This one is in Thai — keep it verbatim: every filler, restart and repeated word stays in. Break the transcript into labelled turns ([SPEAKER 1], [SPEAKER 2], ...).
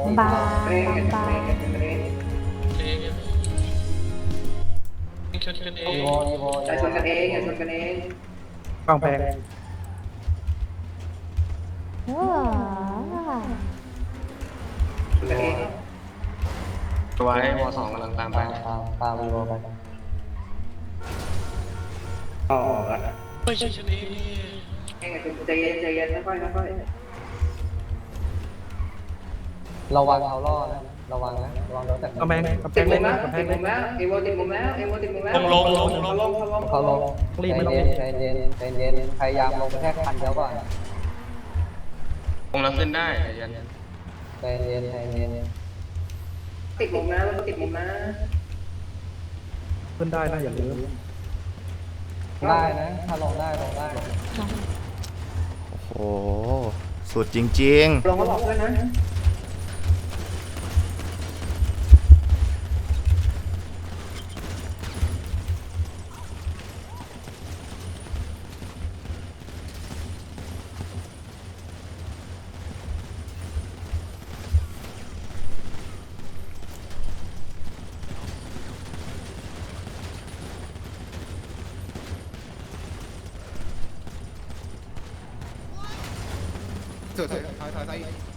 [SPEAKER 1] บา
[SPEAKER 2] เร่ง
[SPEAKER 1] บาบา
[SPEAKER 2] เร่งเร่ง
[SPEAKER 3] เองชนกันเอ
[SPEAKER 4] อี
[SPEAKER 3] ง
[SPEAKER 4] โวอีโว
[SPEAKER 2] อย่าชนกันเองอย่าชนกันเอง
[SPEAKER 5] กองแพง
[SPEAKER 1] ว้า
[SPEAKER 2] ชนกันเอง
[SPEAKER 3] ตัวไอ้วอสองกำลังตามไป
[SPEAKER 4] ตามตามอีโวไป
[SPEAKER 2] อ๋อ
[SPEAKER 3] ไม่ใช่ชนเอง
[SPEAKER 2] เองใจเย็นใจเย็นค่อยๆค่อย
[SPEAKER 4] ระวังเอาล่อนะระวังนะระวังโดนจาก
[SPEAKER 5] กองแพงกอง
[SPEAKER 2] ๆ
[SPEAKER 5] แพ
[SPEAKER 2] ติด
[SPEAKER 5] ง
[SPEAKER 2] มุ
[SPEAKER 5] เล่
[SPEAKER 2] ม
[SPEAKER 5] น
[SPEAKER 2] แล้ว
[SPEAKER 5] กองแพ
[SPEAKER 2] ติ
[SPEAKER 5] ง
[SPEAKER 2] ดมุ
[SPEAKER 5] เล่น
[SPEAKER 2] มแล้วเอโวติดมุมแล้วเอโวติดมุมแล้ว
[SPEAKER 3] ลงลงลงล
[SPEAKER 2] เขา
[SPEAKER 3] ง
[SPEAKER 2] ลงเขาลง
[SPEAKER 4] เขาลง
[SPEAKER 5] รีบไม่
[SPEAKER 4] ใจ
[SPEAKER 5] ต้อง
[SPEAKER 4] เย็นใจเย็นใจเย็นพยายามลงไปแค่คันเดียวก่อน
[SPEAKER 3] ลงแล้วขึ้นได้ใจเย็น
[SPEAKER 4] ใจเย็นใจเย็น
[SPEAKER 2] ติดมุมนะแล้วก็ติดมุมนะ
[SPEAKER 5] ขึ้นได้นะอย่าลืม
[SPEAKER 4] ได้นะถ้าลงได้ลงได้
[SPEAKER 6] โอ้โห สุดจริง
[SPEAKER 2] ลงเขาบอกเพื่อนนะ
[SPEAKER 7] ถอยถอยถอยถอย